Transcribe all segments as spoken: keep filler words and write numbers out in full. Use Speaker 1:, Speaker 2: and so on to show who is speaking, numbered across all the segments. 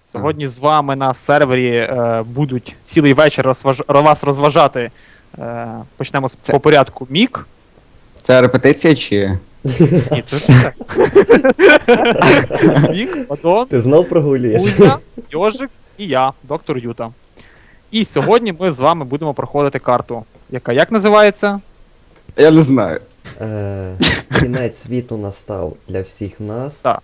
Speaker 1: Сьогодні з вами на сервері е, будуть цілий вечір розваж... вас розважати. Е, почнемо з
Speaker 2: Це-
Speaker 1: по порядку. Мік.
Speaker 2: Це репетиція чи.
Speaker 1: Ні, це ж все. Мік, Адон,
Speaker 3: Ти знов прогулюєш?
Speaker 1: Кузя, Йожик і я, доктор Юта. І сьогодні ми з вами будемо проходити карту, яка як називається?
Speaker 2: Я не знаю.
Speaker 3: Е, Кінець світу настав для всіх нас.
Speaker 1: Так.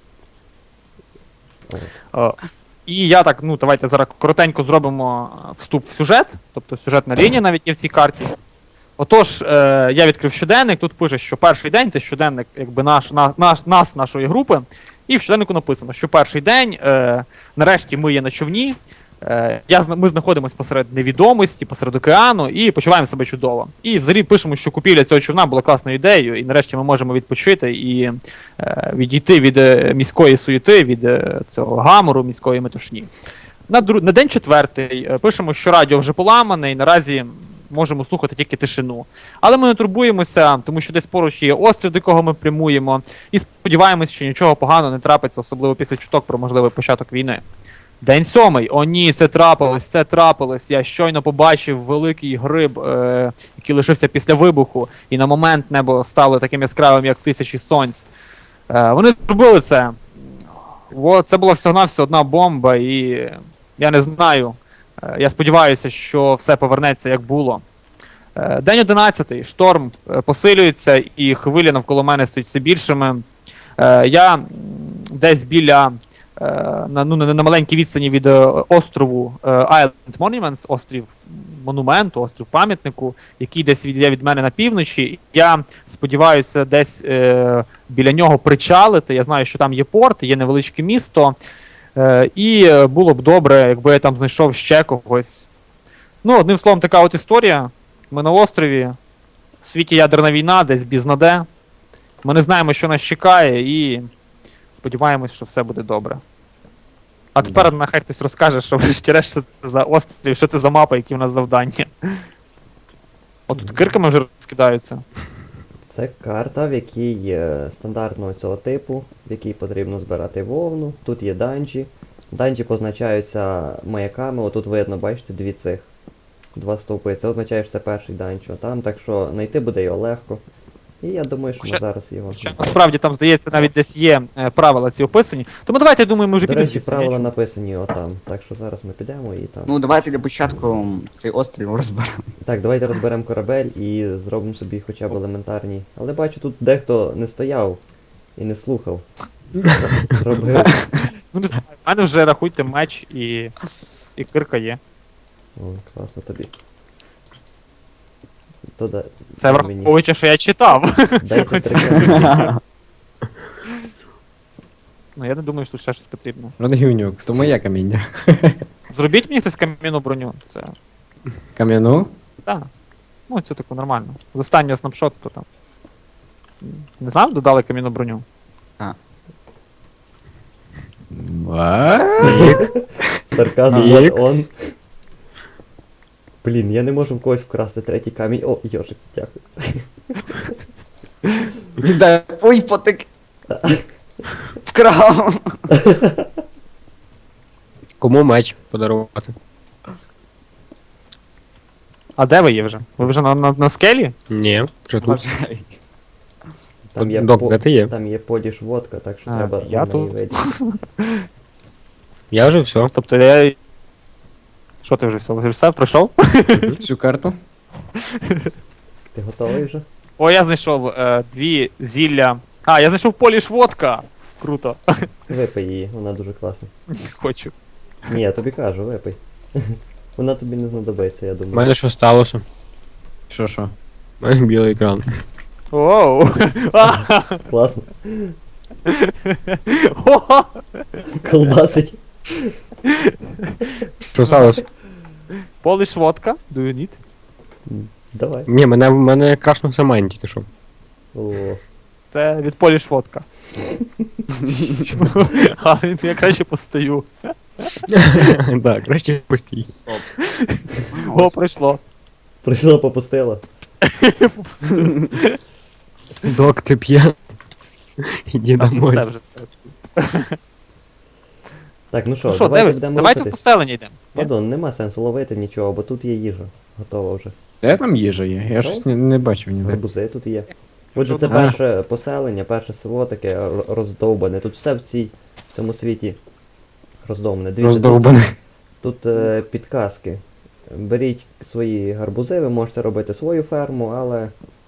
Speaker 1: Е, І я так, ну давайте зараз коротенько зробимо вступ в сюжет, тобто сюжетна лінія навіть є в цій карті. Отож, е, я відкрив щоденник, тут пише, що перший день це щоденник якби наш, на, наш, нас, нашої групи. І в щоденнику написано, що перший день, е, нарешті ми є на човні, е, я, зна- ми знаходимося посеред невідомості, посеред океану і почуваємо себе чудово. І взагалі пишемо, що купівля цього човна була класною ідеєю, і нарешті ми можемо відпочити і е, відійти від е, міської суєти, від е, цього гамору, міської метушні. На, дру... на день четвертий е, пишемо, що радіо вже поламане, і наразі можемо слухати тільки тишину. Але ми не турбуємося, тому що десь поруч є острів, до якого ми прямуємо, і сподіваємось, що нічого поганого не трапиться, особливо після чуток про можливий початок війни. День сьомий. О ні, це трапилось, це трапилось. Я щойно побачив великий гриб, е- який лишився після вибуху, і на момент небо стало таким яскравим, як тисячі сонць. Е- вони зробили це. О, це була всього-навсього одна бомба, і я не знаю. Е, Я сподіваюся, що все повернеться, як було. Е, День одинадцятий. Шторм е, посилюється, і хвилі навколо мене стають все більшими. Е, Я м, десь біля, е, на, ну, на на маленькій відстані від е, острову е, Island Monuments, острів монументу, острів пам'ятнику, який десь від, є від мене на півночі. Я сподіваюся десь е, біля нього причалити. Я знаю, що там є порт, є невеличке місто. Е, і е, було б добре, якби я там знайшов ще когось. Ну, одним словом, така от історія. Ми на острові, в світі ядерна війна, десь бізнаде. Ми не знаємо, що нас чекає, і сподіваємось, що все буде добре. А тепер нехай хтось розкаже, що врешті-решт що це за острів, що це за мапа, які в нас завдання. От тут кирками вже розкидаються.
Speaker 3: Це карта, в якій е, стандартного цього типу, в якій потрібно збирати вовну. Тут є данжі. Данжі позначаються маяками. Отут видно, бачите, дві цих. Два стовпи. Це означає, що це перший данж. Там, так що знайти буде його легко. І я думаю, що ми
Speaker 1: Ще-
Speaker 3: зараз його.
Speaker 1: Ще насправді там, здається, навіть десь є е, правила ці описані. Тому давайте, я думаю, ми вже
Speaker 3: До
Speaker 1: підемо
Speaker 3: речі,
Speaker 1: звідси,
Speaker 3: правила
Speaker 1: ні?
Speaker 3: написані отам. Так що зараз ми підемо і там.
Speaker 2: Ну давайте для початку цей острів розберемо.
Speaker 3: Так, давайте розберемо корабель і зробимо собі хоча б елементарні. Але бачу, тут дехто не стояв і не слухав. Робив.
Speaker 1: Ну, не знаю, в мене вже рахуйте меч і, і кирка є.
Speaker 3: О, класно тобі. То да,
Speaker 1: Це
Speaker 3: дай мені.
Speaker 1: враховуючи, що я читав.
Speaker 3: Дайте
Speaker 1: Оце
Speaker 3: три
Speaker 1: все.
Speaker 3: карти.
Speaker 1: Ну, я не думаю, що тут ще щось потрібно.
Speaker 4: Родгівнюк, то моє каміння.
Speaker 1: Зробіть мені хтось кам'яну броню. Це.
Speaker 4: Кам'яну?
Speaker 1: Так. Ну, це тако нормально. З останнього снапшоту то там. Не знаю, додали кам'яну броню.
Speaker 3: Сарказм
Speaker 4: Ікс.
Speaker 3: what on. Блін, я не можу в когось вкрасти третій камінь. О, йожик, дякую.
Speaker 2: Віддай, ой, потик. Вкрав.
Speaker 4: Кому меч подарувати?
Speaker 1: А де ви є вже? Ви вже на, на, на скелі?
Speaker 4: Ні, вже тут.
Speaker 2: Бажай.
Speaker 3: Там є,
Speaker 4: Док,
Speaker 3: по-
Speaker 4: де ти є?
Speaker 3: там є поліш водка, так що
Speaker 1: А,
Speaker 3: треба
Speaker 1: я
Speaker 3: на неї
Speaker 1: тут.
Speaker 3: вийти.
Speaker 4: Я вже все.
Speaker 1: Тобто я. Що ти вже все? Вже все пройшов?
Speaker 4: Всю карту.
Speaker 3: Ти готовий вже?
Speaker 1: О, я знайшов е, дві зілля. А, я знайшов поліш водка. Круто.
Speaker 3: Випий її, вона дуже класна.
Speaker 1: Хочу.
Speaker 3: Ні, я тобі кажу, випий. Вона тобі не знадобиться, я
Speaker 4: У
Speaker 3: думаю.
Speaker 4: мене що сталося? Що що? У мене білий екран.
Speaker 1: Оу! А!
Speaker 3: Класно.
Speaker 1: О!
Speaker 3: Колбасить.
Speaker 4: Що сталося?
Speaker 1: Поліш водка. Do you need?
Speaker 3: М, Давай.
Speaker 4: Ні, мене, мене крашнувся майн тільки що.
Speaker 3: О,
Speaker 1: Це від поліш водка. А, я краще постою.
Speaker 4: Так, краще постій.
Speaker 1: О, пройшло.
Speaker 3: прийшло, попустило.
Speaker 4: Док, ти п'яний. Іди
Speaker 1: Так,
Speaker 4: домой.
Speaker 1: все вже все.
Speaker 3: Так, ну що,
Speaker 1: Ну що,
Speaker 3: давайте
Speaker 1: дивись,
Speaker 3: будемо
Speaker 1: давайте в
Speaker 3: рухатись.
Speaker 1: поселення йдемо. Ні?
Speaker 3: Падон, нема сенсу ловити нічого, бо тут є їжа. Готова вже.
Speaker 4: Де там їжа є? Я щось не, не бачив ніде.
Speaker 3: Гарбузи тут є. Отже, це
Speaker 1: Що
Speaker 3: перше поселення, перше село таке р- роздовбане. Тут все в цій в цьому світі роздовбане. Дивіться,
Speaker 4: Роздовбаний.
Speaker 3: Тут, тут е, підказки. Беріть свої гарбузи, ви можете робити свою ферму, але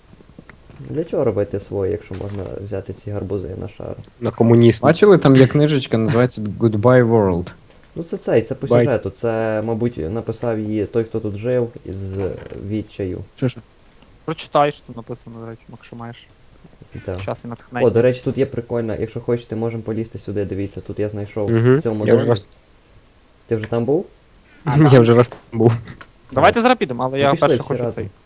Speaker 3: для чого робити свої, якщо можна взяти ці гарбузи на шару?
Speaker 4: На комуніст. Бачили, там є книжечка, називається Goodbye World.
Speaker 3: Ну це цей, це по
Speaker 4: Бай.
Speaker 3: сюжету. Це, мабуть, написав її той, хто тут жив із відчаю.
Speaker 4: Що ж?
Speaker 1: Прочитай, що тут написано, до речі, якщо маєш
Speaker 3: Так.
Speaker 1: час і натхнення.
Speaker 3: О, до речі, тут є прикольно, якщо хочете, можемо полізти сюди, дивіться, тут я знайшов
Speaker 4: Мгм.
Speaker 3: в цьому
Speaker 4: Я вже
Speaker 3: домі.
Speaker 4: раз,
Speaker 3: Ти вже там був?
Speaker 4: я вже раз там був.
Speaker 1: Давайте зараз підемо, але
Speaker 3: Ну,
Speaker 1: я
Speaker 3: пішли
Speaker 1: перше
Speaker 3: всі
Speaker 1: хочу
Speaker 3: разом.
Speaker 1: цей.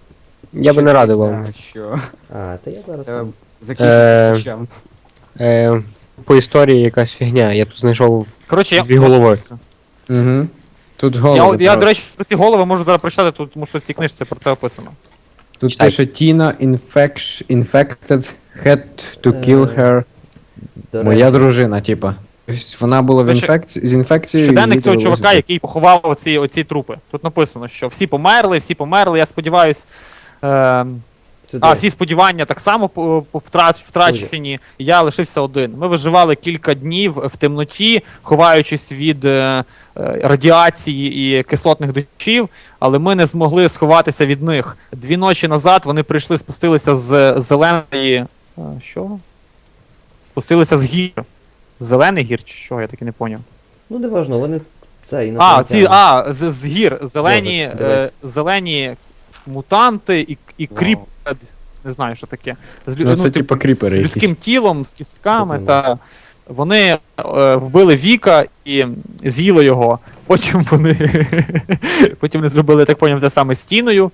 Speaker 4: Я би не радив
Speaker 2: Дивіться,
Speaker 4: вам.
Speaker 2: Що?
Speaker 3: А, та я зараз
Speaker 2: Це
Speaker 3: там.
Speaker 4: Е,
Speaker 2: закінчиться чим.
Speaker 4: Е, по історії якась фігня. Я тут знайшов
Speaker 1: Коротше, я.
Speaker 4: дві голови. Угу. Тут
Speaker 1: Я,
Speaker 4: голови.
Speaker 1: я, до
Speaker 4: просто.
Speaker 1: речі, про ці голови можу зараз прочитати, тут, тому що в цій книжці про це описано.
Speaker 4: Тут
Speaker 1: читай.
Speaker 4: пише Тіна infect, infected had to kill
Speaker 3: Е,
Speaker 4: her.
Speaker 3: До
Speaker 4: Моя
Speaker 3: речі,
Speaker 4: дружина, типа. Тобто вона була в
Speaker 1: Короче,
Speaker 4: інфекції з інфекцією.
Speaker 1: Щоденник
Speaker 4: їй
Speaker 1: цього
Speaker 4: довелося
Speaker 1: чувака,
Speaker 4: це.
Speaker 1: який поховав оці, оці трупи. Тут написано, що всі померли, всі померли, я сподіваюсь. Е,
Speaker 3: сюди.
Speaker 1: а, всі сподівання так само по- по- втрач, втрачені, і я лишився один. Ми виживали кілька днів в темноті, ховаючись від е, е, радіації і кислотних дощів, але ми не змогли сховатися від них. Дві ночі назад вони прийшли, спустилися з зеленої. е, Що? Спустилися з гір. Зелений гір чи що, я таки не поняв.
Speaker 3: Ну не важно, вони це і
Speaker 1: А, ці, а, з, з гір, зелені,
Speaker 3: Добре, дивись.
Speaker 1: е, зелені мутанти і, і
Speaker 2: Вау.
Speaker 1: кріп. Не знаю, що таке. З, лю-
Speaker 4: Ну, це
Speaker 1: типу,
Speaker 4: типа кріпери
Speaker 1: з
Speaker 4: якісь.
Speaker 1: людським тілом, з кістками,
Speaker 3: Типу,
Speaker 1: та вони е, вбили Віка і з'їли його. Потім вони. Потім вони зробили, я так поняв, це саме стіною.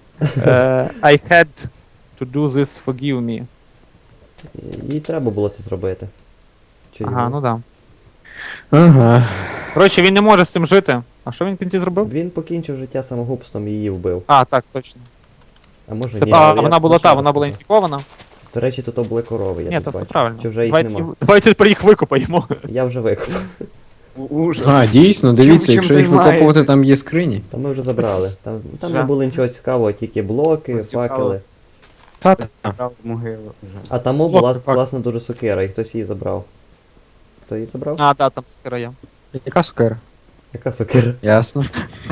Speaker 1: Е, I had to do this, forgive me.
Speaker 3: Їй треба було це зробити. Чи
Speaker 1: Ага,
Speaker 3: йому?
Speaker 1: ну да.
Speaker 4: Ага.
Speaker 1: Коротше, він не може з цим жити. А що він в кінці зробив?
Speaker 3: Він покінчив життя самогубством і її вбив.
Speaker 1: А, так, точно.
Speaker 3: А може
Speaker 1: Це,
Speaker 3: ні.
Speaker 1: а,
Speaker 3: але я
Speaker 1: вона була та,
Speaker 3: почав
Speaker 1: вона була
Speaker 3: це.
Speaker 1: інфікована.
Speaker 3: До речі, тут були корови, я
Speaker 1: Ні,
Speaker 3: тут
Speaker 1: то все
Speaker 3: бачу.
Speaker 1: правильно.
Speaker 3: Чи вже їх
Speaker 1: давайте,
Speaker 3: нема?
Speaker 1: давайте тепер їх викопаємо.
Speaker 3: Я вже викуп.
Speaker 2: Ужас.
Speaker 4: А, дійсно, дивіться,
Speaker 2: чим
Speaker 4: якщо їх
Speaker 2: займаєтесь?
Speaker 4: викопувати, там є скрині.
Speaker 3: Та ми вже забрали. Там, там не
Speaker 2: Жах.
Speaker 3: було нічого цікавого, тільки блоки,
Speaker 2: Цікаво.
Speaker 3: факели.
Speaker 4: Та
Speaker 2: Правда, могила вже.
Speaker 3: А там була
Speaker 1: Блоки, фак-
Speaker 3: класна дуже сокира, і хтось її забрав. Хто її забрав?
Speaker 1: А, так, там сухира є.
Speaker 4: Яка сукера?
Speaker 3: Яка сокира?
Speaker 4: Ясно.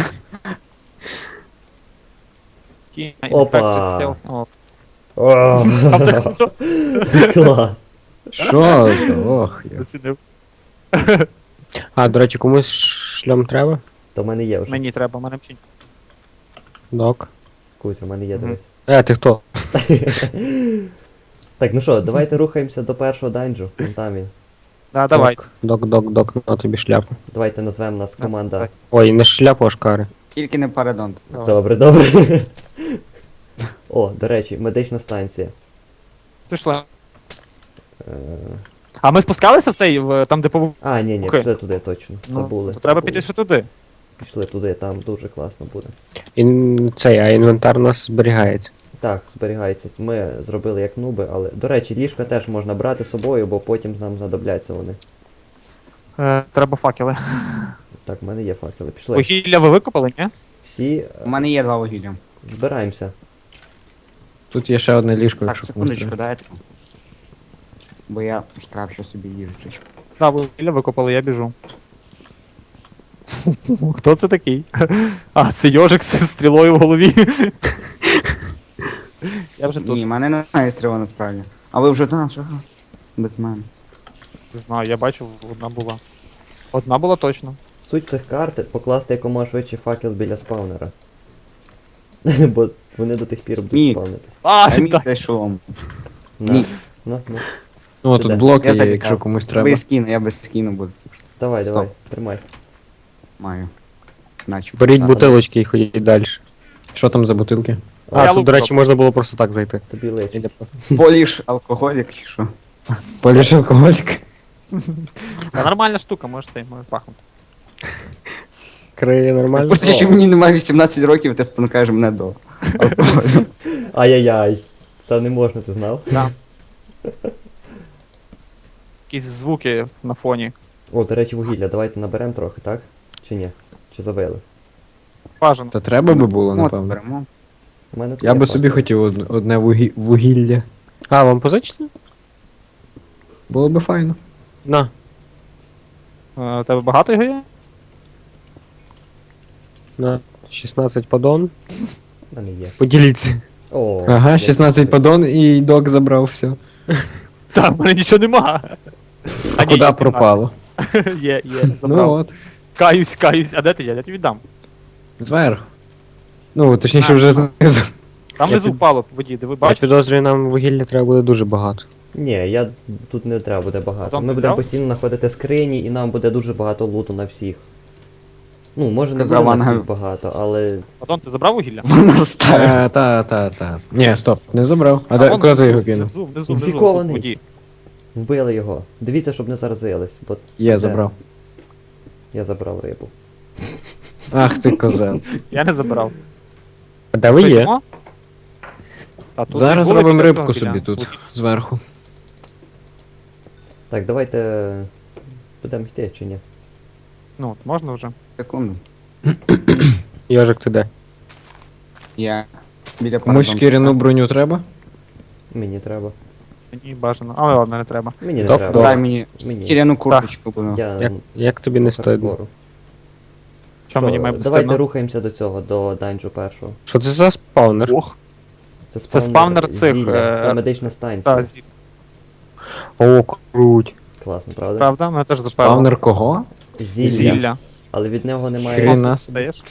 Speaker 1: Key
Speaker 3: Опа.
Speaker 1: infected health. О,
Speaker 3: О,
Speaker 1: там це круто.
Speaker 3: клас.
Speaker 4: Що це? Ох. я.
Speaker 1: Зацінив.
Speaker 4: А, до речі, комусь шльом треба?
Speaker 3: То в мене є вже.
Speaker 1: Мені треба, мене мчить.
Speaker 4: Док.
Speaker 3: Кузя, в мене є,
Speaker 1: Мгм.
Speaker 3: дивись.
Speaker 4: Е, ти хто?
Speaker 3: Так, ну що, давайте рухаємося до першого данжу. Вон там він.
Speaker 1: Да, давай.
Speaker 4: Док, док, док, на тобі шляпу.
Speaker 3: Давайте назвемо нас команда.
Speaker 1: давай.
Speaker 4: Ой, не шляпу, а шкари.
Speaker 2: Тільки не парадонт.
Speaker 1: Давай.
Speaker 3: Добре, добре. О, до речі, медична станція.
Speaker 1: Пішли.
Speaker 3: Е,
Speaker 1: А ми спускалися в цей, в, там, де пову...
Speaker 3: А, ні, ні,
Speaker 1: Окей.
Speaker 3: пішли туди точно.
Speaker 1: Ну,
Speaker 3: Забули.
Speaker 1: то треба
Speaker 3: забули.
Speaker 1: піти ще туди.
Speaker 3: Пішли туди, там дуже класно буде.
Speaker 4: Ін... Цей, а інвентар у нас зберігається.
Speaker 3: Так, зберігається. Ми зробили як нуби, але. До речі, ліжка теж можна брати з собою, бо потім нам знадобляться вони.
Speaker 1: Е, треба факели.
Speaker 3: Так, в мене є факели. Пішли.
Speaker 1: Вугілля ви викопали, ні?
Speaker 3: Всі е,
Speaker 2: У мене є два вугілля.
Speaker 3: збираємося.
Speaker 4: Тут є ще одне ліжко,
Speaker 2: Так,
Speaker 4: якщо комусь
Speaker 2: секундочку,
Speaker 4: треба.
Speaker 2: дайте. Бо я скрафчу собі їжечку.
Speaker 1: Да, вугілля викопали, я біжу. Хто це такий? А, це йожик з стрілою в голові. Я вже тут.
Speaker 2: Ні, в мене немає стріла насправді. А ви вже там, що? Без мене.
Speaker 1: Не знаю, я бачив, одна була. Одна була точно.
Speaker 3: Суть цих карт покласти якомога швидше факел біля спаунера. Бо вони до тих пір будуть
Speaker 2: Ні.
Speaker 3: спавнитись.
Speaker 1: А,
Speaker 2: А мій
Speaker 1: так.
Speaker 2: цей шолом.
Speaker 3: На.
Speaker 2: Ні.
Speaker 3: Ну, ну.
Speaker 4: Ну,
Speaker 3: Ти
Speaker 4: тут
Speaker 3: де?
Speaker 4: блоки
Speaker 2: Я
Speaker 4: є,
Speaker 2: залітав.
Speaker 4: якщо комусь треба.
Speaker 2: Без скину, я без скину буду.
Speaker 3: Давай,
Speaker 2: Стоп.
Speaker 3: давай, тримай.
Speaker 2: Маю. Наче.
Speaker 4: Беріть
Speaker 2: Так.
Speaker 4: бутилочки і ходіть далі. Що там за бутилки?
Speaker 1: Я
Speaker 4: А, тут,
Speaker 1: лук
Speaker 4: до речі,
Speaker 1: зроблю.
Speaker 4: можна було просто так зайти.
Speaker 3: Тобі личить.
Speaker 2: Поліш алкоголік чи що?
Speaker 4: Поліж алкоголік.
Speaker 1: Та нормальна штука, може цей, може пахнути.
Speaker 4: Криє нормально.
Speaker 2: Просто що мені немає вісімнадцять років, ти спонукаєш мене до алкоголю.
Speaker 3: Ай-яй-яй. Це не можна, ти знав?
Speaker 1: Да. Якісь звуки на фоні.
Speaker 3: О, до речі, вугілля, давайте наберемо трохи, так? Чи ні? Чи забили?
Speaker 1: Бажано.
Speaker 4: Та треба би було,
Speaker 2: От,
Speaker 4: напевно.
Speaker 2: беремо.
Speaker 3: У мене тут
Speaker 4: Я
Speaker 3: є
Speaker 4: би собі
Speaker 3: паспорт.
Speaker 4: хотів од- одне вугі- вугілля.
Speaker 5: А, вам позичити?
Speaker 4: Було би файно.
Speaker 5: На.
Speaker 1: Е, У тебе багато його є?
Speaker 5: На. шістнадцять подон.
Speaker 3: У мене є.
Speaker 5: Поділіться.
Speaker 3: О,
Speaker 4: Ага,
Speaker 3: я
Speaker 4: шістнадцять
Speaker 3: собі-
Speaker 4: подон і док забрав все.
Speaker 1: Та, в мене нічого нема.
Speaker 4: А
Speaker 1: ні,
Speaker 4: куди
Speaker 1: є
Speaker 4: пропало?
Speaker 1: сімнадцять. Є, є,
Speaker 4: Ну
Speaker 1: забрав.
Speaker 4: от,
Speaker 1: Каюсь, каюсь. А де ти є? Я тобі віддам.
Speaker 4: зверху. Ну, точніше,
Speaker 1: А,
Speaker 4: вже
Speaker 1: а.
Speaker 4: знизу.
Speaker 1: Там
Speaker 5: Я
Speaker 1: внизу
Speaker 5: під-
Speaker 1: впало по воді, диви,
Speaker 5: Я
Speaker 1: бачиш?
Speaker 5: підозрюю, нам вугілля треба буде дуже багато.
Speaker 3: Ні, я тут не треба буде багато.
Speaker 1: Потім
Speaker 3: Ми
Speaker 1: ти
Speaker 3: будемо
Speaker 1: взяв?
Speaker 3: постійно знаходити скрині і нам буде дуже багато луту на всіх. Ну, може не
Speaker 2: Казав
Speaker 3: буде на
Speaker 2: Ангел.
Speaker 3: всіх багато, але.
Speaker 1: Потім ти забрав вугілля?
Speaker 2: Вона стає.
Speaker 4: Та, та, та, та. Ні, стоп, не забрав. А
Speaker 1: А
Speaker 4: де,
Speaker 1: вон
Speaker 4: куди ти
Speaker 1: внизу,
Speaker 4: його кинув?
Speaker 1: Внизу, внизу, внизу,
Speaker 3: Інфікований.
Speaker 1: в воді.
Speaker 3: Вбили його. Дивіться, щоб не заразились, бо
Speaker 4: Є,
Speaker 3: Де?
Speaker 4: забрав.
Speaker 3: я забрав рибу.
Speaker 4: Ах ти козел.
Speaker 1: Я не забирав.
Speaker 5: А де ви
Speaker 1: Що,
Speaker 5: є?
Speaker 1: йдемо? Та, тут
Speaker 4: Зараз
Speaker 1: були
Speaker 4: робимо
Speaker 1: біля
Speaker 4: рибку
Speaker 1: того,
Speaker 4: собі
Speaker 1: біля
Speaker 4: тут,
Speaker 1: воді.
Speaker 4: зверху.
Speaker 3: Так, давайте. Будемо йти чи ні?
Speaker 1: Ну, от, можна вже.
Speaker 2: Секунду.
Speaker 5: Йожик, ти де?
Speaker 2: Я біля
Speaker 4: Комусь
Speaker 2: парадонта.
Speaker 4: шкіряну броню треба?
Speaker 3: Мені треба.
Speaker 1: Мені бажано. Але ладно, не треба.
Speaker 3: Мені не
Speaker 5: Топ,
Speaker 3: треба.
Speaker 5: топ.
Speaker 2: Дай мені
Speaker 3: Мені.
Speaker 2: шкіряну курточку. будь.
Speaker 3: Я
Speaker 5: Як, як тобі не стидно?
Speaker 3: хардкору.
Speaker 1: Що мені має бути
Speaker 3: Давайте
Speaker 1: стидно?
Speaker 3: рухаємося до цього, до данжу першого.
Speaker 5: Що це за спаунер?
Speaker 1: Ох, Це спавнер цих,
Speaker 3: зілля,
Speaker 1: е,
Speaker 3: Це медична станція.
Speaker 1: та, зі-
Speaker 5: О, круть.
Speaker 3: Класно, правда?
Speaker 1: правда? Мене теж запевно.
Speaker 4: Спавнер кого?
Speaker 3: Зілля.
Speaker 1: Зілля.
Speaker 3: Але від нього немає.
Speaker 4: Хрена.
Speaker 1: Стаєш?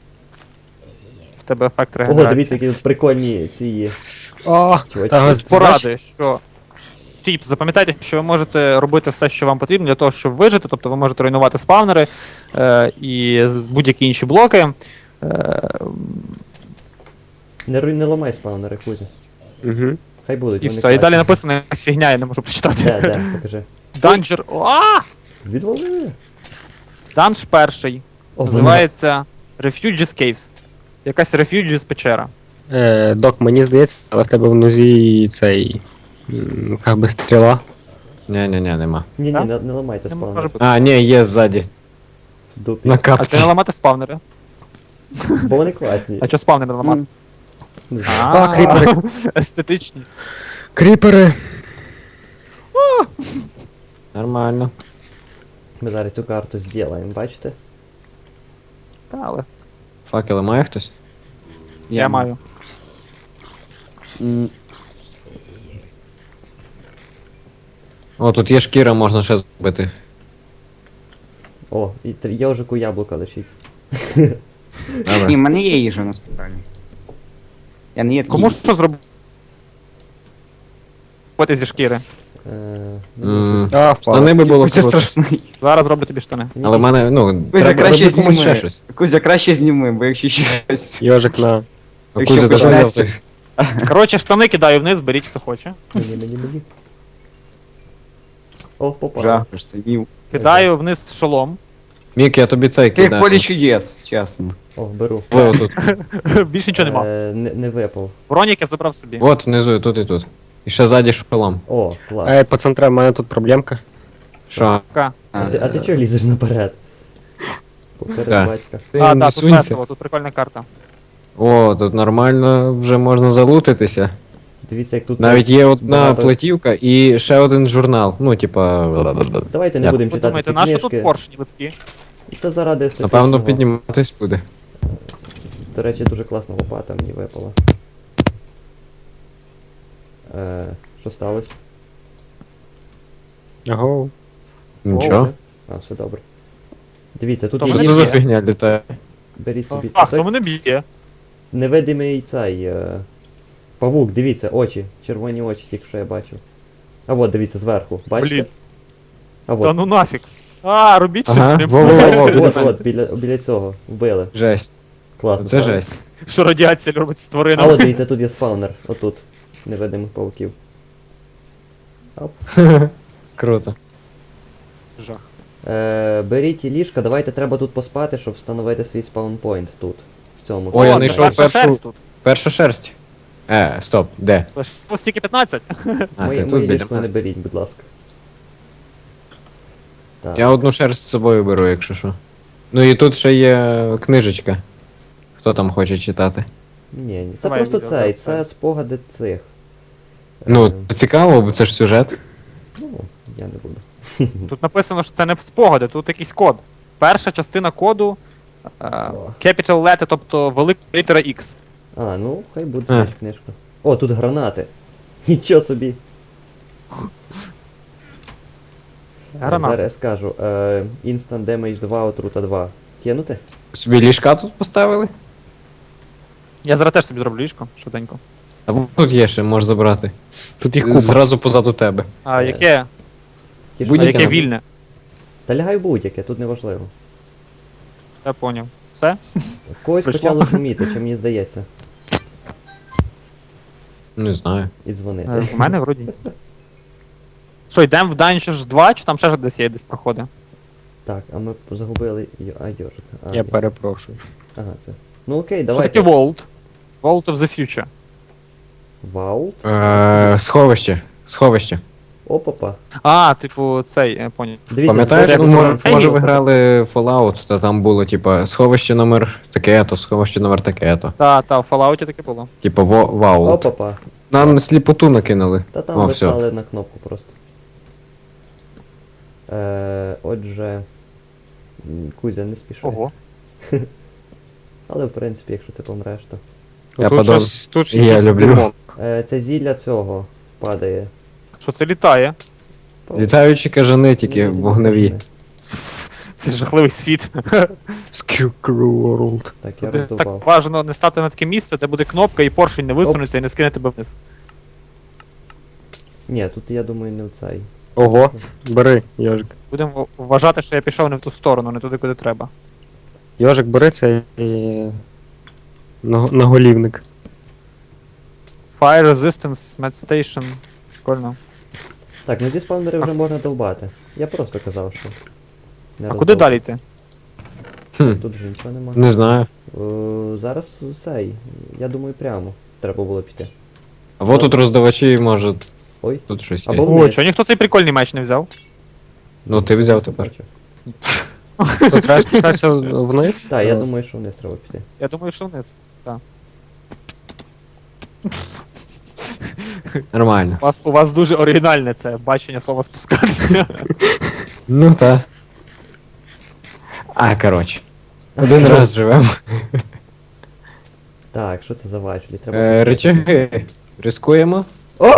Speaker 1: В тебе ефект
Speaker 3: Ого, дивіться,
Speaker 1: регенерації.
Speaker 3: які тут прикольні ці.
Speaker 5: О,
Speaker 3: Чувачки.
Speaker 5: та,
Speaker 1: Поради, що... Тіп, запам'ятайте, що ви можете робити все, що вам потрібно для того, щоб вижити. Тобто ви можете руйнувати спавнери е, і з- будь-які інші блоки. Е,
Speaker 3: Не руй, не ламай спаунери, Кузя.
Speaker 5: Угу.
Speaker 3: Хай будуть.
Speaker 1: і
Speaker 3: вони
Speaker 1: все. І далі
Speaker 3: класні.
Speaker 1: написано якась фігня, я не можу прочитати.
Speaker 3: Де, де, покажи.
Speaker 1: Данжер. А!
Speaker 3: Відвали.
Speaker 1: Данж перший.
Speaker 3: О,
Speaker 1: Називається Refugees Caves. Якась Refugees печера.
Speaker 5: Е, док, мені здається, але в тебе в нозі цей. м, Як би стріла.
Speaker 4: Ні-ні-ні, нема.
Speaker 3: Ні, ні,
Speaker 1: Так?
Speaker 3: не, не ламайте
Speaker 1: Не може
Speaker 3: спаунер.
Speaker 1: бути.
Speaker 4: А, ні, є ззаді.
Speaker 3: Дупі.
Speaker 4: На
Speaker 1: А це
Speaker 4: капці.
Speaker 1: не ламати спавнери.
Speaker 3: Бо вони класні.
Speaker 1: А що спавнери ламати?
Speaker 3: Не знаю.
Speaker 5: А, кріпери.
Speaker 1: Естетичні.
Speaker 5: Кріпери.
Speaker 4: Нормально.
Speaker 3: Ми зараз цю карту зробимо, бачите?
Speaker 1: Та, але
Speaker 4: Факели має хтось?
Speaker 1: я маю.
Speaker 2: М,
Speaker 4: О, тут є шкіра, можна ще зробити.
Speaker 3: О, і тр- йожику яблука лишіть.
Speaker 2: Ні,
Speaker 4: Добре.
Speaker 2: в мене є їжа насправді. Я не є такий.
Speaker 1: Кому що зробити зі шкіри?
Speaker 3: Е,
Speaker 4: М,
Speaker 5: А, впав.
Speaker 4: Штани би було
Speaker 2: Кузя
Speaker 4: круто.
Speaker 2: страшний.
Speaker 1: Зараз роблю тобі штани.
Speaker 4: Але в мене, ну,
Speaker 2: Кузя,
Speaker 4: треба
Speaker 2: краще
Speaker 4: робити комусь ще
Speaker 2: зніми.
Speaker 4: щось.
Speaker 2: Кузя, краще зніми, бо якщо щось.
Speaker 5: Йожик на.
Speaker 4: А
Speaker 2: Якщо
Speaker 4: Кузя тебе
Speaker 2: починається-
Speaker 4: взяв.
Speaker 1: Коротше, штани кидаю вниз, беріть хто хоче.
Speaker 3: Мені, мені, мені. О, попав.
Speaker 2: Жах, штанів.
Speaker 1: Кидаю вниз шолом.
Speaker 4: Мік, я тобі цей
Speaker 2: Ти як
Speaker 4: кидаю.
Speaker 2: полі чудес, чесно.
Speaker 3: О, беру.
Speaker 4: Ви отут.
Speaker 1: Більше нічого нема.
Speaker 3: Е, не, не випав.
Speaker 1: Бронік я забрав собі.
Speaker 4: От внизу, і тут і тут. І ще ззаді шолом.
Speaker 3: О, клас.
Speaker 5: Ей, пацантре, в мене тут проблемка.
Speaker 4: Що?
Speaker 1: Ка.
Speaker 3: А ти, а ти чого лізеш наперед? Поперед
Speaker 4: Так.
Speaker 3: батька.
Speaker 4: Ти
Speaker 1: А,
Speaker 4: не
Speaker 1: так, тут
Speaker 4: сунься.
Speaker 1: весело, тут прикольна карта.
Speaker 4: О, тут нормально вже можна залутитися.
Speaker 3: Дивіться, як тут.
Speaker 4: Навіть є одна
Speaker 3: багато-
Speaker 4: платівка і ще один журнал. Ну, типа.
Speaker 3: Давайте не
Speaker 4: Як?
Speaker 3: будемо
Speaker 1: Ви
Speaker 3: читати
Speaker 1: думаєте,
Speaker 3: ці
Speaker 1: на що
Speaker 3: книжки.
Speaker 1: тут поршні липкі?
Speaker 3: Це заради
Speaker 4: Напевно,
Speaker 3: естетичного.
Speaker 4: підніматись буде.
Speaker 3: До речі, дуже класна лопата мені випала. Е, що сталося?
Speaker 5: Ого.
Speaker 4: Нічого.
Speaker 3: А, все добре. Дивіться, тут
Speaker 1: То
Speaker 3: є
Speaker 4: Що
Speaker 1: мене
Speaker 4: це за
Speaker 1: б'є.
Speaker 4: фігня літає?
Speaker 3: Беріть собі.
Speaker 1: А,
Speaker 3: Це
Speaker 1: хто мене б'є?
Speaker 3: невидимий цей. Е... Павук, дивіться, очі. Червоні очі, тільки що я бачив. А от, дивіться, зверху. Бачите?
Speaker 1: Блін.
Speaker 3: А
Speaker 1: Та
Speaker 3: от.
Speaker 1: ну нафіг. А, робіть щось
Speaker 4: Ага,
Speaker 1: з ним.
Speaker 4: во-во-во,
Speaker 3: От, от, біля, біля цього. Вбили.
Speaker 4: Жесть.
Speaker 3: Класно.
Speaker 4: Це
Speaker 3: правда?
Speaker 4: жесть.
Speaker 1: Що радіація робить з
Speaker 3: А
Speaker 1: тваринами.
Speaker 3: от дивіться, тут є спаунер. Отут. Невидимих павуків. Оп.
Speaker 4: Круто.
Speaker 1: Жах.
Speaker 3: Е, беріть ліжка, давайте треба тут поспати, щоб встановити свій спаунпойнт тут. В цьому.
Speaker 4: Ой, я
Speaker 1: О, це
Speaker 4: знайшов
Speaker 1: перша
Speaker 4: першу-
Speaker 1: шерсть тут.
Speaker 4: Перша шерсть. Е, стоп, де?
Speaker 1: Лише стільки п'ятнадцять.
Speaker 4: А,
Speaker 3: Моє,
Speaker 4: ти
Speaker 3: моє
Speaker 4: тут
Speaker 3: ліжко не
Speaker 4: біля.
Speaker 3: беріть, будь ласка. Так.
Speaker 4: Я одну шерсть з собою беру, якщо що. Ну і тут ще є книжечка. Хто там хоче читати?
Speaker 3: Ні, ні. Це
Speaker 1: Давай
Speaker 3: просто
Speaker 1: відео,
Speaker 3: цей,
Speaker 1: так,
Speaker 3: це
Speaker 1: так.
Speaker 3: спогади цих.
Speaker 4: Ну,
Speaker 3: Е,
Speaker 4: це цікаво, бо це ж сюжет.
Speaker 3: ну, я не буду.
Speaker 1: Тут написано, що це не спогади, тут якийсь код. Перша частина коду е, capital letter, тобто велика літера X.
Speaker 3: А, ну, хай буде
Speaker 4: Е.
Speaker 3: значить, книжка. О, тут гранати. Нічого собі.
Speaker 1: Гранати.
Speaker 3: Зараз я скажу. Е, Instant Damage два, отрута два. Кинути?
Speaker 4: Собі ліжка тут поставили?
Speaker 1: Я зараз теж собі зроблю ліжко, швиденько.
Speaker 4: А вот тут є ще, можеш забрати.
Speaker 5: Тут їх купа.
Speaker 4: Зразу позаду тебе.
Speaker 1: А
Speaker 3: Е,
Speaker 1: яке?
Speaker 3: Ті ж
Speaker 1: А
Speaker 4: Будь-яке
Speaker 1: яке
Speaker 3: гранати.
Speaker 1: вільне?
Speaker 3: Та лягай будь-яке, тут не важливо.
Speaker 1: Я поняв. Все?
Speaker 3: В когось
Speaker 1: Прийшло?
Speaker 3: почало шуміти, чи мені здається.
Speaker 4: Не знаю.
Speaker 3: І дзвонити.
Speaker 1: Е, У мене вроді. ні. Що, йдемо в Dungeons два, чи там ще десь є десь проходи?
Speaker 3: Так, а ми загубили. Йо- А, йожик. А,
Speaker 5: Я
Speaker 3: ні.
Speaker 5: перепрошую.
Speaker 3: Ага, це. Ну окей,
Speaker 1: Що
Speaker 3: давайте.
Speaker 1: таке Vault? Vault of the Future.
Speaker 3: Вау.
Speaker 4: Е, сховище. Сховище.
Speaker 3: Опа-па.
Speaker 1: А, типу, цей, я поняв.
Speaker 3: Дивіться,
Speaker 4: Пам'ятаєш,
Speaker 1: це як
Speaker 4: ну,
Speaker 1: в
Speaker 4: може,
Speaker 1: Warframe,
Speaker 4: може ви
Speaker 1: це
Speaker 4: грали в Fallout, та там було, типа, сховище номер таке-то, сховище номер таке-то.
Speaker 1: Та, та, в Fallout таке було.
Speaker 4: Типа во Vault.
Speaker 3: Опа-па.
Speaker 4: Нам сліпоту накинули.
Speaker 3: Та там
Speaker 4: О,
Speaker 3: ви
Speaker 4: все.
Speaker 3: стали на кнопку просто. Е, отже. м, Кузя, не спіши.
Speaker 1: Ого.
Speaker 3: Але в принципі, якщо ти помреш, то.
Speaker 4: Я
Speaker 5: тут
Speaker 4: подав-
Speaker 5: щось, тут
Speaker 4: Я
Speaker 5: якийсь
Speaker 4: люблю.
Speaker 5: димок.
Speaker 3: Е, це зілля цього падає.
Speaker 1: Що це літає?
Speaker 4: Літаючі кажани тільки
Speaker 3: Ні, ні,
Speaker 4: вогневі.
Speaker 3: ні.
Speaker 1: Це жахливий світ.
Speaker 5: Skewcrew World.
Speaker 3: Так, я
Speaker 1: Де
Speaker 3: роздовбав.
Speaker 1: так бажано не стати на таке місце, де буде кнопка і поршень не висунеться і не скине тебе вниз.
Speaker 3: Ні, тут я думаю не в цей.
Speaker 5: Ого, бери, Йожик.
Speaker 1: Будемо вважати, що я пішов не в ту сторону, не туди, куди треба.
Speaker 5: Йожик, бери цей і... наго- наголівник.
Speaker 1: Fire Resistance, Med Station. Прикольно.
Speaker 3: Так, ну зі спавнери вже можна довбати. Я просто казав, що. Не
Speaker 1: А куди
Speaker 3: роздовбав.
Speaker 1: далі йти?
Speaker 4: Хм,
Speaker 3: Тут вже нічого нема.
Speaker 4: не знаю.
Speaker 3: О, зараз цей. Я думаю, прямо. Треба було піти.
Speaker 4: А вот тут роздавачі, може,
Speaker 3: Ой.
Speaker 4: тут щось
Speaker 3: Або
Speaker 4: є.
Speaker 1: О,
Speaker 3: вниз.
Speaker 1: чого ніхто цей прикольний меч не взяв?
Speaker 4: Ну, ти взяв тепер.
Speaker 3: Бачу.
Speaker 5: Тут треба спускатися вниз?
Speaker 3: Так, я
Speaker 5: Ну,
Speaker 3: думаю, що вниз треба піти.
Speaker 1: Я думаю, що вниз.
Speaker 4: Нормально.
Speaker 1: У вас, у вас дуже оригінальне це бачення слова спускатися.
Speaker 4: Ну та. А, коротше. Один раз живемо.
Speaker 3: Так, що це за важлі? Треба.
Speaker 4: Е, речаги. Рискуємо.
Speaker 3: О!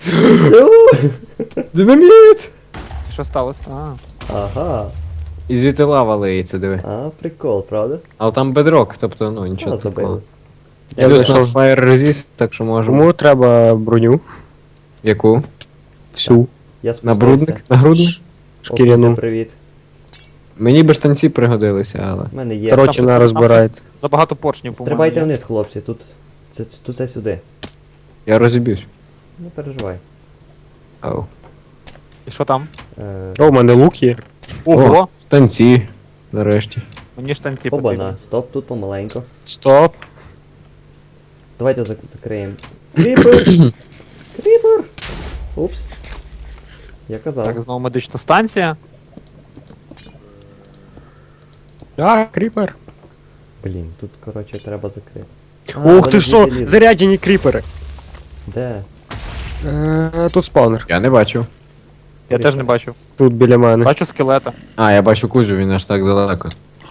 Speaker 4: Динаміт!
Speaker 1: Що сталося? А.
Speaker 3: Ага.
Speaker 4: І звідти лава лиється, диви.
Speaker 3: А, прикол, правда?
Speaker 4: Але там бедрок, тобто, ну,
Speaker 3: А,
Speaker 4: нічого
Speaker 3: забили.
Speaker 4: такого.
Speaker 5: Я
Speaker 4: Плюс у нас
Speaker 5: знайшов.
Speaker 4: Fire Resist, так що можемо.
Speaker 5: Кому треба броню?
Speaker 4: Яку?
Speaker 5: Всю.
Speaker 3: Я спускався.
Speaker 4: Набрудник? Нагрудник?
Speaker 3: О, Кузя,
Speaker 5: Шкіряну.
Speaker 3: привіт.
Speaker 4: Мені б штанці пригодилися, але.
Speaker 3: У мене є.
Speaker 5: Коротше,
Speaker 1: Там
Speaker 5: на
Speaker 1: щось-
Speaker 5: розбирають.
Speaker 1: там щось Забагато поршнів, по-моєму.
Speaker 3: Стрибайте
Speaker 1: є.
Speaker 3: вниз, хлопці, тут. Це, тут це сюди.
Speaker 4: Я розіб'юсь.
Speaker 3: Не переживай.
Speaker 4: Ау.
Speaker 1: І що там?
Speaker 3: Е,
Speaker 5: О, у мене лук є.
Speaker 1: Ого!
Speaker 4: Штанці. Нарешті.
Speaker 1: Мені штанці
Speaker 3: Обана,
Speaker 1: потрібні.
Speaker 3: стоп, тут помаленько.
Speaker 5: Стоп.
Speaker 3: Давайте зак- закриємо. Кріпер! Кріпер! Упс. Я казав.
Speaker 1: Так, знову медична станція.
Speaker 5: А, кріпер.
Speaker 3: Блін, тут, коротше, треба закрити. А,
Speaker 5: Ух
Speaker 3: вони
Speaker 5: ти що,
Speaker 3: звідти лізуть.
Speaker 5: заряджені кріпери.
Speaker 3: Де?
Speaker 5: Е, Тут спаунер.
Speaker 4: Я не бачу.
Speaker 1: Я теж не бачу.
Speaker 5: Тут біля мене.
Speaker 1: Бачу скелета.
Speaker 4: А, я бачу Кузю, він аж так далеко.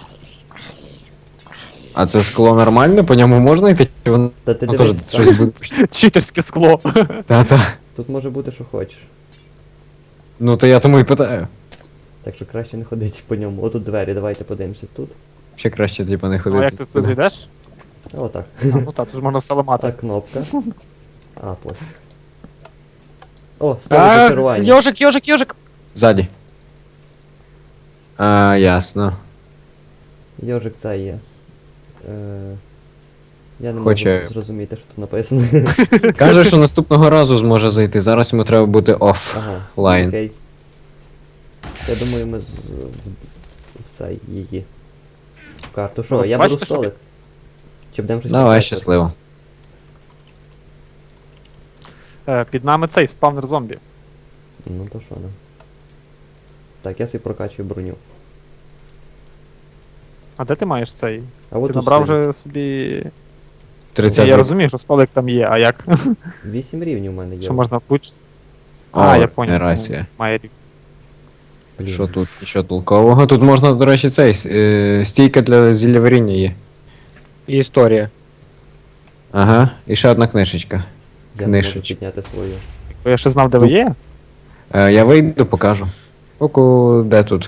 Speaker 4: А це скло нормальне, по ньому можна йти? Чи воно
Speaker 3: Та ти
Speaker 4: теж
Speaker 3: дивись, там,
Speaker 4: щось буде?
Speaker 1: Читерське скло.
Speaker 4: Та-та.
Speaker 3: тут може бути, що хочеш.
Speaker 4: Ну то я тому і питаю.
Speaker 3: Так що краще не ходити по ньому. Отут двері, давайте подивимося тут.
Speaker 4: Ще краще, типу, не
Speaker 1: Ну,
Speaker 4: ходити.
Speaker 1: а як ти тут зайдеш?
Speaker 3: А, отак.
Speaker 1: А, ну так, тут ж можна все ламати.
Speaker 3: Так, кнопка. А, пофіг. О, столик
Speaker 5: А,
Speaker 3: зачарування.
Speaker 5: Йожик, йожик, йожик.
Speaker 4: Ззаді. А, ясно.
Speaker 3: Йожик це є. Е, я не
Speaker 4: Хоче-
Speaker 3: можу зрозуміти, що тут написано.
Speaker 4: Каже, що наступного разу зможе зайти. Зараз йому треба бути оф.
Speaker 3: Ага,
Speaker 4: Лайн.
Speaker 3: окей. Я думаю, ми з... в- в цей її. В карту. Що,
Speaker 1: Ну,
Speaker 3: я
Speaker 1: бачите,
Speaker 3: беру
Speaker 1: що
Speaker 3: столик? Чи будемо щось
Speaker 4: Давай,
Speaker 3: прокачувати?
Speaker 4: щасливо.
Speaker 1: Е, Під нами цей спавнер зомбі.
Speaker 3: Ну то що, да. Так, я собі прокачую броню.
Speaker 1: А де ти маєш цей?
Speaker 3: А от
Speaker 1: Ти
Speaker 3: тут
Speaker 1: набрав
Speaker 3: стоїть.
Speaker 1: вже собі. Ні,
Speaker 4: тридцять.
Speaker 1: я розумію, що столик там є, а як?
Speaker 3: Вісім рівнів у мене є.
Speaker 1: Що можна влучити?
Speaker 4: О,
Speaker 1: А, я поняв.
Speaker 4: рація.
Speaker 1: Має рік.
Speaker 3: Блін.
Speaker 4: Що тут? Що толкового? Тут можна, до речі, цей е, стійка для зілля варіння є.
Speaker 5: І історія.
Speaker 4: Ага, і ще одна книжечка.
Speaker 3: Я не можу
Speaker 4: книжечка.
Speaker 3: підняти свою.
Speaker 1: Бо я ще знав, де ви є.
Speaker 4: Е, я вийду, покажу. Оку, де тут?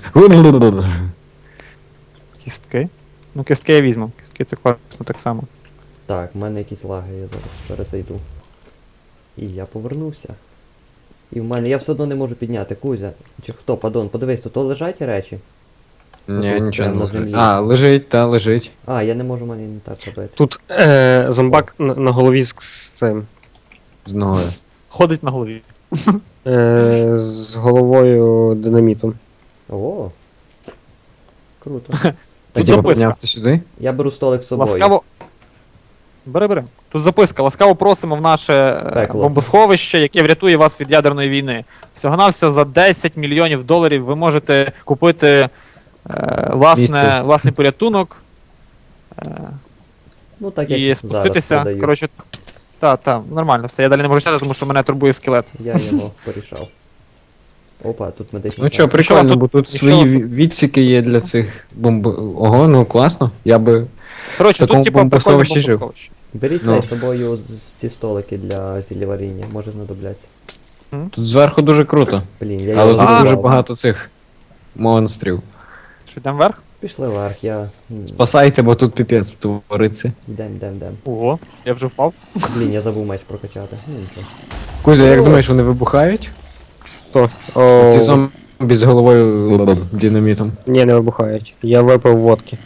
Speaker 1: Кістки. Ну, кістки я візьму. Кістки це класно так само.
Speaker 3: Так, в мене якісь лаги, я зараз перезайду. І я повернувся. І в мене, я все одно не можу підняти, Кузя. Чи хто, падон, подивись, тут лежать речі?
Speaker 4: Ні,
Speaker 3: Тут
Speaker 4: нічого не
Speaker 3: прямо на
Speaker 4: лежить.
Speaker 3: землі.
Speaker 4: А, лежить, та, лежить.
Speaker 3: А, я не можу, в мене не так робити.
Speaker 5: Тут е, зомбак на, на голові з, з цим.
Speaker 4: З ногою.
Speaker 1: Ходить на голові.
Speaker 5: Е, з головою динамітом.
Speaker 3: О! Круто.
Speaker 1: Тут
Speaker 4: Тоді
Speaker 1: записка.
Speaker 4: піднявся сюди.
Speaker 3: Я беру столик з собою.
Speaker 1: Ласкаво. Бери, бери. Тут записка. Ласкаво просимо в наше е,
Speaker 3: Пекло.
Speaker 1: бомбосховище, яке врятує вас від ядерної війни. Всього-навсього за десять мільйонів доларів ви можете купити е, власне,
Speaker 4: Місце.
Speaker 1: власний порятунок е,
Speaker 3: Ну так
Speaker 1: і
Speaker 3: як
Speaker 1: спуститися.
Speaker 3: зараз продаю.
Speaker 1: Коротше, так, так, нормально, все. Я далі не можу читати, тому що мене турбує скелет.
Speaker 3: Я його порішав. Опа, тут медичний.
Speaker 4: Ну що,
Speaker 3: танк.
Speaker 1: Що у вас
Speaker 4: прикольно,
Speaker 1: тут-
Speaker 4: бо тут
Speaker 1: що
Speaker 4: свої
Speaker 1: у вас
Speaker 4: ві- відсіки є для цих бомб. Ого, ну класно. Я би.
Speaker 1: Коротше,
Speaker 4: Такому
Speaker 1: тут типа прикольне
Speaker 4: бомбосховищі жив.
Speaker 1: бомбосховище.
Speaker 3: Беріть
Speaker 4: Ну.
Speaker 3: цей з собою з- ці столики для зіллєваріння, може знадобляться.
Speaker 4: Тут зверху дуже круто.
Speaker 3: Блін, я
Speaker 4: Але
Speaker 3: його
Speaker 4: тут
Speaker 1: А.
Speaker 4: дуже
Speaker 3: забрав.
Speaker 4: багато цих монстрів.
Speaker 1: Що, йдемо вверх?
Speaker 3: Пішли вверх, я... м,
Speaker 4: Спасайте, бо тут піпець твориться.
Speaker 3: Йдем, йдем, йдем.
Speaker 1: Ого, я вже впав.
Speaker 3: Блін, я забув меч прокачати. Ну нічого.
Speaker 4: Кузя, як
Speaker 3: О.
Speaker 4: думаєш, вони вибухають?
Speaker 5: Хто? О,
Speaker 4: Ці зомбі з головою динамітом.
Speaker 5: Ні, не вибухають. Я випив водки.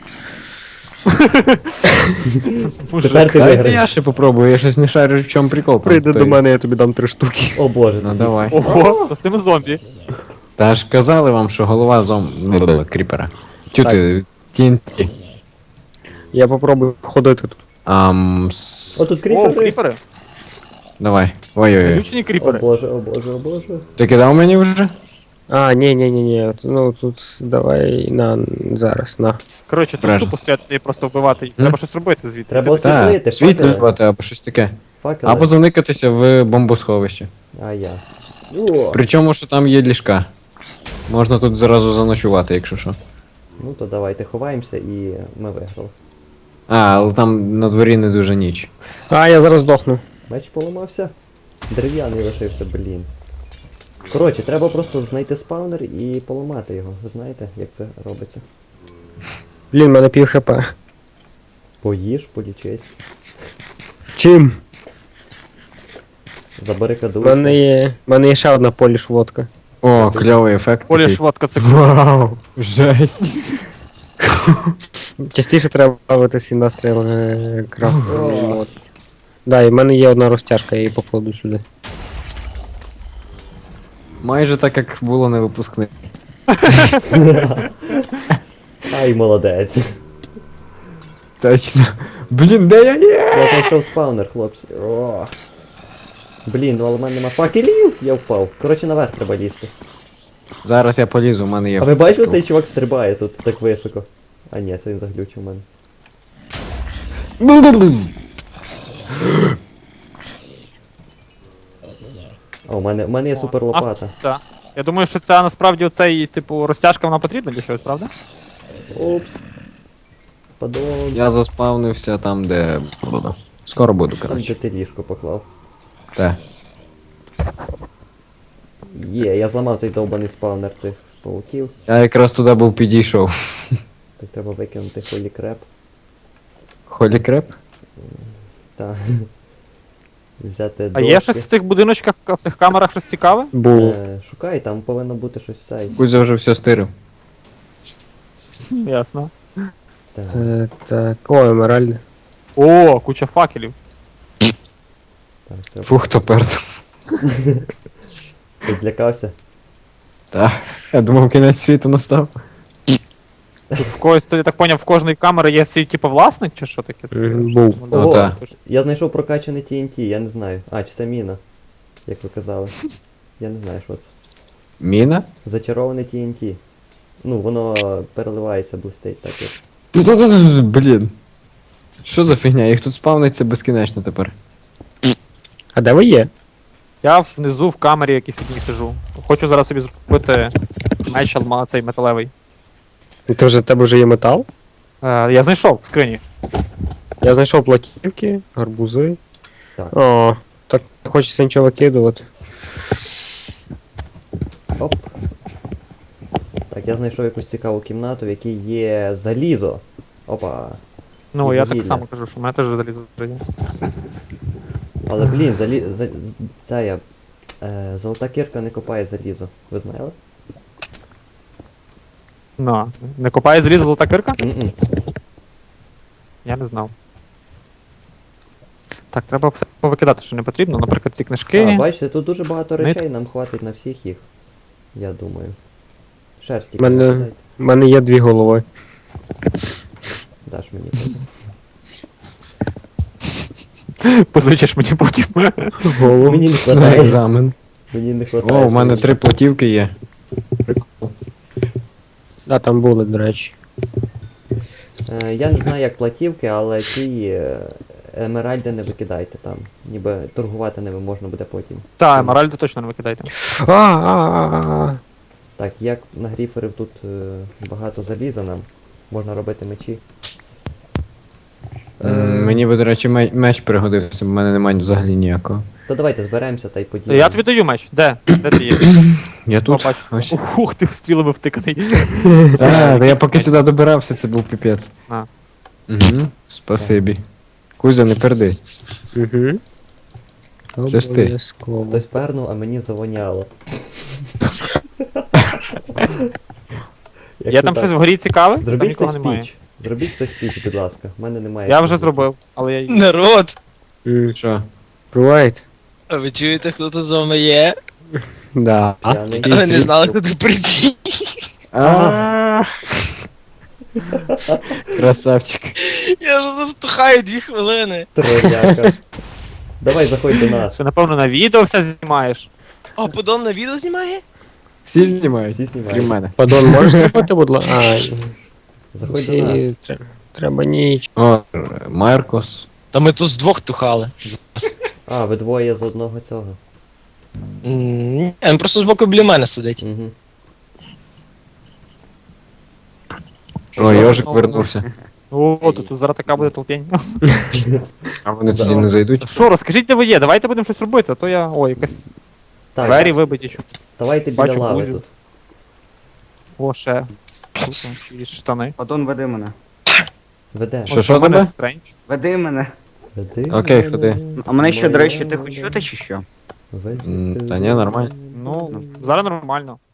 Speaker 1: Мужик.
Speaker 3: Тепер ти
Speaker 4: Дай я
Speaker 3: виграєш.
Speaker 4: ще попробую, я щось не шарю, в чому прикол. там
Speaker 5: Прийди
Speaker 4: той.
Speaker 5: до мене, я тобі дам три штуки.
Speaker 3: О боже,
Speaker 4: Ну
Speaker 3: тоді.
Speaker 4: давай.
Speaker 1: Ого, то з тими зомбі.
Speaker 4: Та ж казали вам, що голова зом... кріпера. Тю ти, ті ен ті.
Speaker 5: Я попробую ходити тут.
Speaker 4: Ам, с-
Speaker 3: О, тут
Speaker 1: О,
Speaker 3: кріпери.
Speaker 1: кріпери.
Speaker 4: Давай. Ой-ой-ой.
Speaker 1: Ключні
Speaker 3: О
Speaker 1: кріпери.
Speaker 3: боже, о боже, о боже.
Speaker 4: Ти кидав мені вже?
Speaker 5: А, ні, ні, ні, ні. Ну тут давай на зараз, на.
Speaker 1: Коротше, тут
Speaker 4: Правильно.
Speaker 1: тупо стояти і просто вбивати їх. Треба щось робити звідси.
Speaker 3: Треба
Speaker 1: Ти-
Speaker 3: Світлити,
Speaker 4: Так,
Speaker 3: факели.
Speaker 4: світлювати або щось таке.
Speaker 3: Факели.
Speaker 4: Або заникатися в бомбосховище.
Speaker 3: А я. О,
Speaker 4: Причому, що там є ліжка. Можна тут зразу заночувати, якщо що.
Speaker 3: ну то давайте ховаємося і ми виграли.
Speaker 4: А, але там на дворі не дуже ніч.
Speaker 5: А, я зараз здохну.
Speaker 3: Меч поламався. Дерев'яний лишився, блін. Коротше, треба просто знайти спаунер і поламати його. Ви знаєте, як це робиться?
Speaker 5: Блін, в мене пів хп.
Speaker 3: Поїж, полічись.
Speaker 5: Чим? В
Speaker 3: Забарикадуйся.
Speaker 5: мене є. В мене є ще одна поліш водка.
Speaker 4: О, кльовий ефект.
Speaker 1: Полі
Speaker 4: такий.
Speaker 1: швидко це круто.
Speaker 4: Вау, жесть.
Speaker 5: Частіше треба бавитись індастріал е, крафт.
Speaker 3: О.
Speaker 5: От. Да, і в мене є одна розтяжка, я її покладу сюди.
Speaker 4: Майже так, як було на випускних.
Speaker 3: Ай, молодець.
Speaker 4: Точно. Блін, де я є?
Speaker 3: Я знайшов спаунер, хлопці. О. Блін, ну але в мене нема факелів. Я впав. Коротше, наверх треба лізти.
Speaker 4: Зараз я полізу, у мене є.
Speaker 3: А ви бачили,
Speaker 4: штук.
Speaker 3: цей чувак стрибає тут так високо? А ні, це він заглючив у мене. А, у мене, у мене є супер лопата.
Speaker 1: А, це. Я думаю, що це насправді оцей, типу, розтяжка вона потрібна для чогось, правда?
Speaker 3: Опс. Падон.
Speaker 4: Я заспавнився там, де буду. Скоро буду,
Speaker 3: Там де
Speaker 4: коротше.
Speaker 3: ти ліжко поклав.
Speaker 4: Те.
Speaker 3: Є, я зламав цей довбаний спаунер цих пауків.
Speaker 4: Я якраз туди був підійшов.
Speaker 3: Так треба викинути холі креп.
Speaker 4: Холі креп?
Speaker 3: Та. Взяти
Speaker 1: А є щось в цих будиночках, в цих камерах щось цікаве?
Speaker 5: Було.
Speaker 3: Е, шукай, там повинно бути щось цей.
Speaker 4: Кузя вже все стирив.
Speaker 1: Ясно.
Speaker 3: Так.
Speaker 5: Е, так, о, емеральди.
Speaker 1: О, куча факелів.
Speaker 3: Так, треба.
Speaker 4: Фух, хто перт.
Speaker 3: Ти злякався?
Speaker 4: Так. Я думав, кінець світу настав.
Speaker 1: Тут в когось, то я так поняв, в кожної камери є свій, типу, власник, чи що таке? Це-
Speaker 5: Мгм, був.
Speaker 1: Ну,
Speaker 4: Ну,
Speaker 3: Ого,
Speaker 4: так.
Speaker 3: я знайшов прокачаний ті ен ті, я не знаю. А, чи це міна, як ви казали. Я не знаю, що це.
Speaker 4: Міна?
Speaker 3: Зачароване Ті Ен Ті. Ну, воно переливається, блистить так як.
Speaker 4: Блін. Що за фігня? Їх тут спавниться безкінечно тепер.
Speaker 5: А де ви є?
Speaker 1: Я внизу в камері якійсь одній сижу. Хочу зараз собі зробити меч алма, цей металевий.
Speaker 5: Ти вже в тебе вже є метал?
Speaker 1: Е, я знайшов в скрині.
Speaker 5: Я знайшов платівки, гарбузи.
Speaker 3: Так.
Speaker 5: О, так не хочеться нічого викидувати.
Speaker 3: Оп. Так, я знайшов якусь цікаву кімнату, в якій є залізо. Опа.
Speaker 1: Ну,
Speaker 3: І
Speaker 1: я
Speaker 3: вугілля.
Speaker 1: так само кажу, що в мене теж залізо вже є.
Speaker 3: Але блін, залі... за... з- ця я. Е, золота кірка не копає залізо. Ви знали?
Speaker 1: Ну, не копає залізо золота кирка?
Speaker 3: М-м.
Speaker 1: Я не знав. Так, треба все повикидати, що не потрібно. Наприклад, ці книжки.
Speaker 3: А, бачите, тут дуже багато
Speaker 1: Нит-
Speaker 3: речей, нам хватить на всіх їх. Я думаю. Шерсті
Speaker 5: Мене-
Speaker 3: закидай.
Speaker 5: У мене є дві голови.
Speaker 3: Даш мені. потім.
Speaker 1: Позичиш мені потім.
Speaker 5: Голову.
Speaker 3: Мені не
Speaker 4: На
Speaker 3: хватає.
Speaker 4: екзамен.
Speaker 3: Мені не хватає.
Speaker 4: О, в мене три платівки є.
Speaker 5: Да, там були, до речі.
Speaker 3: Е, я не знаю, як платівки, але ті е, емеральди не викидайте там. Ніби торгувати ними можна буде потім.
Speaker 1: Та, емеральди точно не викидайте.
Speaker 5: А, а, а, а.
Speaker 3: Так, як на гріферів тут е, багато заліза нам, можна робити мечі. Е,
Speaker 4: М, Мені би, до речі, ме- меч пригодився, бо в мене немає взагалі ніякого.
Speaker 3: То давайте зберемося та й поділимо.
Speaker 1: Я тобі даю меч. Де? Де ти є?
Speaker 4: Я тут.
Speaker 1: Побачу.
Speaker 4: Ось.
Speaker 1: Ух, ти стрілами втиканий.
Speaker 4: Та, та я поки сюди добирався, це був піпець.
Speaker 1: А.
Speaker 4: Угу, спасибі. Кузя, не перди.
Speaker 5: Угу.
Speaker 4: Це ж ти.
Speaker 5: Обов'язково.
Speaker 3: Хтось пернув, а мені завоняло. Як
Speaker 1: Є
Speaker 3: це
Speaker 1: там
Speaker 3: так?
Speaker 1: щось вгорі цікаве? Там
Speaker 3: Зробіть
Speaker 1: нікого
Speaker 3: хтось
Speaker 1: немає.
Speaker 3: піч. Зробіть хтось піч, будь ласка. У мене немає.
Speaker 1: Я вже
Speaker 3: чого.
Speaker 1: зробив, але я її.
Speaker 6: Народ!
Speaker 5: М,
Speaker 4: Що?
Speaker 5: Буває.
Speaker 6: А ви чуєте, хто тут з вами є?
Speaker 5: Да.
Speaker 3: П'яний.
Speaker 6: Але не знали, хто тут прийде.
Speaker 4: А. Красавчик.
Speaker 6: Я вже тут втухаю дві хвилини.
Speaker 3: Тролляка. Давай, заходь до нас.
Speaker 1: Що, напевно, на відео все знімаєш.
Speaker 6: А подон на відео знімає?
Speaker 4: Всі знімають?
Speaker 3: Всі
Speaker 4: Крім
Speaker 3: знімають.
Speaker 4: мене.
Speaker 5: Падон, можеш зробити, будь ласка? А,
Speaker 3: Заходь до
Speaker 5: всі...
Speaker 3: нас.
Speaker 5: тре- Треба ніч.
Speaker 4: О, Маркос.
Speaker 6: Та ми тут з двох тухали.
Speaker 3: А, ви двоє з одного цього.
Speaker 6: М, Ні, він просто збоку біля мене сидить.
Speaker 3: Угу.
Speaker 4: О, Йожик вернувся.
Speaker 1: О, тут зараз така буде толпень.
Speaker 4: А вони тоді не зайдуть.
Speaker 1: Що, розкажіть, де ви є, давайте будемо щось робити, а то я. О, якась
Speaker 3: Так,
Speaker 1: двері вибиті. чу-
Speaker 3: ставайте біля
Speaker 1: бачу
Speaker 3: лави
Speaker 1: Кузю.
Speaker 3: тут.
Speaker 1: О, ще. Тут якісь штани.
Speaker 2: Падон, веди мене.
Speaker 3: Веде.
Speaker 4: Що,
Speaker 1: От
Speaker 4: що
Speaker 1: у мене
Speaker 4: тебе?
Speaker 1: стрендж.
Speaker 2: Веди мене.
Speaker 3: Веди
Speaker 4: Окей,
Speaker 3: мене,
Speaker 4: ходи.
Speaker 2: А мене ще, до речі,
Speaker 3: моя
Speaker 2: тихо чути чи що?
Speaker 3: веди
Speaker 4: М, та ні, нормально.
Speaker 1: Ну, зараз нормально.